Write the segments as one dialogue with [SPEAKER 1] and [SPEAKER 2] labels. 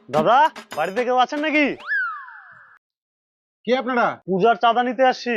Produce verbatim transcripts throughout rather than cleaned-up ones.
[SPEAKER 1] দাদা, বাড়িতে কেউ আছেন নাকি?
[SPEAKER 2] কে আপনারা?
[SPEAKER 1] পূজার চাঁদা নিতে আসছি।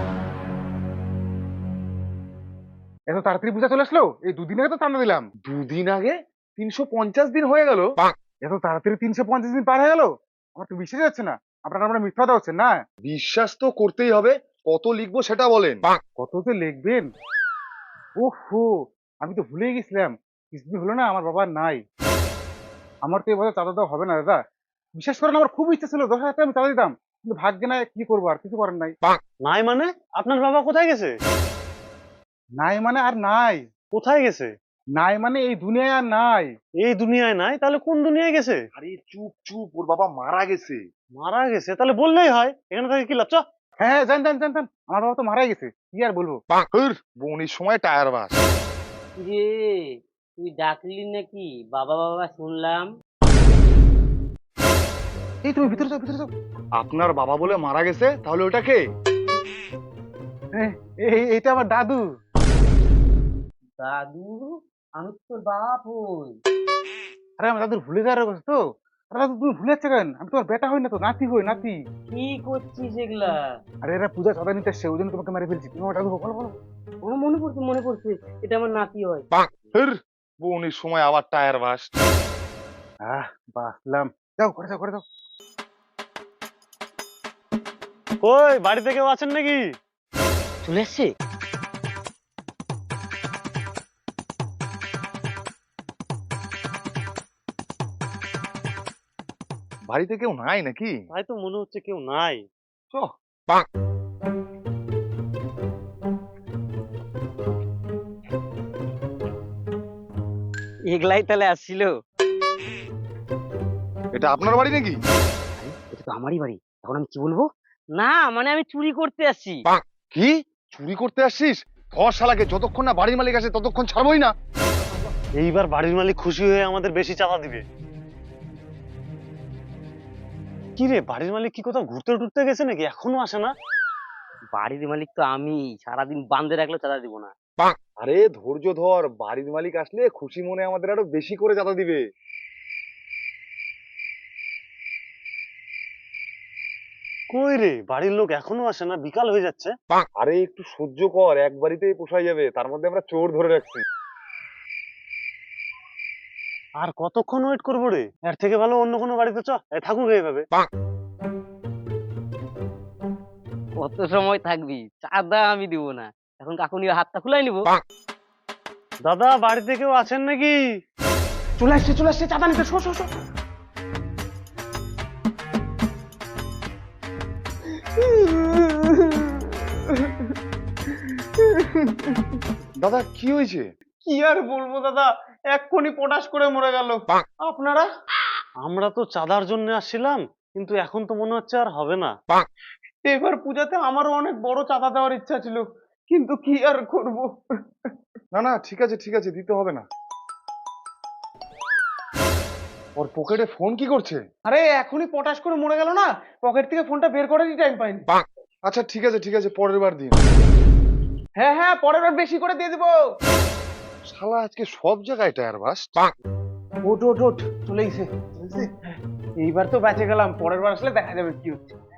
[SPEAKER 2] এত তাড়াতাড়ি পূজা চলে আসলো? এই দুদিন আগে তো চাঁদা দিলাম।
[SPEAKER 3] দুদিন আগে? তিনশো পঞ্চাশ দিন হয়ে গেল।
[SPEAKER 2] এত তাড়াতাড়ি তিনশো পঞ্চাশ দিন পার হয়ে গেল? আমার তো বিশ্বাস যাচ্ছে না। আপনারা আমরা মিথ্যা কথা হচ্ছেন না।
[SPEAKER 3] বিশ্বাস তো করতেই হবে। কত লিখবো সেটা বলেন।
[SPEAKER 2] কত যে লিখবেন? ওহো, আমি তো ভুলেই গেছিলাম। কিছুদিন হলো না আমার বাবা নাই। আমার তো এবার চাঁদা দেওয়া হবে না দাদা। বিশ্বাস করেন আমার খুব ইচ্ছা ছিল দশ হাজার টাকা আমি চাঁদা দিতাম, কিন্তু ভাগ্যে নাই, কি করবো আর, কিছু করেন নাই।
[SPEAKER 1] নাই মানে? আপনার বাবা কোথায় গেছে?
[SPEAKER 2] নাই মানে আর নাই।
[SPEAKER 1] কোথায় গেছে?
[SPEAKER 2] নাই মানে এই দুনিয়ায় আর নাই।
[SPEAKER 1] এই দুনিয়ায় নাই? তাহলে কোন দুনিয়ায় গেছে?
[SPEAKER 3] আরে চুপ চুপ, ওর বাবা মারা গেছে।
[SPEAKER 1] মারা গেছে? তাহলে বললেই হয়, এখানে থেকে কি লাভ? চ।
[SPEAKER 2] হ্যাঁ হ্যাঁ, জান জান জান জান, আমার বাবা তো মারাই গেছে, কি আর বলবো।
[SPEAKER 3] হুর, বনির সময় টায়ার বাস।
[SPEAKER 4] রে, তুই ডাকলি নাকি? বাবা বাবা শুনলাম।
[SPEAKER 2] এই তুমি ভিতরে যাও, ভিতরে যাও।
[SPEAKER 3] আপনার বাবা বলে মারা গেছে, তাহলে ওটা কে?
[SPEAKER 2] এই এই- এইটা আমার দাদু।
[SPEAKER 4] দাদু? আমি তো তোর বাপ হই।
[SPEAKER 2] আরে আমার দাদুর ভুলে যাওয়ার কথা তো। আরে দাদু তুমি ভুলে যাচ্ছে কেন? আমি তোমার বেটা হই না তো, নাতি হই, নাতি।
[SPEAKER 4] কি করছিস এগুলা?
[SPEAKER 2] আরে এরা পূজা চাঁদা নিতে আসছে, ওই জন্য তোমাকে মেরে ফেলছি। তুমি আমার দাদু হও, বলো বলো।
[SPEAKER 4] আমার মনে পড়ছে, মনে পড়ছে, এটা আমার নাতি হয়।
[SPEAKER 3] হুর, বনির সময় আবার টায়ার বাস।
[SPEAKER 2] আহ বাসলাম। যাও করে যাও, করে যাও।
[SPEAKER 1] কই, বাড়িতে কেউ আছেন নাকি?
[SPEAKER 4] চলে এসছে?
[SPEAKER 3] বাড়িতে কেউ নাই নাকি?
[SPEAKER 1] তাই তো মনে হচ্ছে কেউ নাই।
[SPEAKER 3] চ।
[SPEAKER 4] এগুলাই তাহলে আসছিল?
[SPEAKER 3] এটা আপনার বাড়ি নাকি?
[SPEAKER 4] এটা তো আমারই বাড়ি, এখন আমি কি বলবো? না মানে আমি চুরি করতে আসছি।
[SPEAKER 3] কি চুরি করতে আসছিস? ধর শালাকে, যতক্ষণ না বাড়ির মালিক আসে ততক্ষণ ছাড়বই না।
[SPEAKER 1] এইবার বাড়ির মালিক খুশি হয়ে আমাদের বেশি চাঁদা দিবে। কি রে, বাড়ির মালিক কি কোথাও ঘুরতে টুরতে গেছে নাকি? এখনো আসে না?
[SPEAKER 4] বাড়ির মালিক তো আমি, সারাদিন বান্ধে রাখলেও চাঁদা দিব না।
[SPEAKER 3] আরে ধৈর্য ধর, বাড়ির মালিক আসলে খুশি মনে আমাদের আরো বেশি করে চাঁদা দিবে।
[SPEAKER 1] কই রে, বাড়ির লোক এখনো আসে না? বিকাল হয়ে যাচ্ছে।
[SPEAKER 3] আরে একটু সহ্য কর, এক বাড়িতেই পোষাই যাবে, তার মধ্যে আমরা চোর ধরে রাখছি।
[SPEAKER 1] আর কতক্ষণ ওয়েট করবো রে? এর থেকে ভালো অন্য কোনো বাড়িতে চ, এ থাকুক এইভাবে।
[SPEAKER 4] কত সময় থাকবি? চাঁদা আমি দিব না, এখন কাকুনি হাতটা খুলাই নিবো।
[SPEAKER 1] দাদা, বাড়িতে কেউ আছেন নাকি?
[SPEAKER 2] চলে আসছে, চলে আসছে চাঁদা নিতে, শো শো শো।
[SPEAKER 3] দাদা কি হয়েছে?
[SPEAKER 2] কি আর বলবো দাদা, এক্ষুনি পটাশ করে মরে গেল। আপনারা?
[SPEAKER 1] আমরা তো চাঁদার জন্য আসছিলাম, কিন্তু এখন তো মনে হচ্ছে আর হবে না।
[SPEAKER 2] এবার পূজাতে আমারও অনেক বড় চাঁদা দেওয়ার ইচ্ছা ছিল, কিন্তু কি আর করব।
[SPEAKER 3] না না, ঠিক আছে ঠিক আছে, দিতে হবে না। ওর পকেটে ফোন কি করছে?
[SPEAKER 2] আরে এখনই পটাশ করে মরে গেল না, পকেট থেকে ফোনটা বের করারই টাইম পাইনি।
[SPEAKER 3] আচ্ছা ঠিক আছে ঠিক আছে, পরের বার দিন।
[SPEAKER 2] হ্যাঁ হ্যাঁ, পরের বার বেশি করে দিয়ে দিবো।
[SPEAKER 3] শালা আজকে সব জায়গায় টায়ার বাস।
[SPEAKER 2] ওট ওট ওট, চলে গেছে। এইবার তো বেঁচে গেলাম, পরের বার আসলে দেখা যাবে কি হচ্ছে।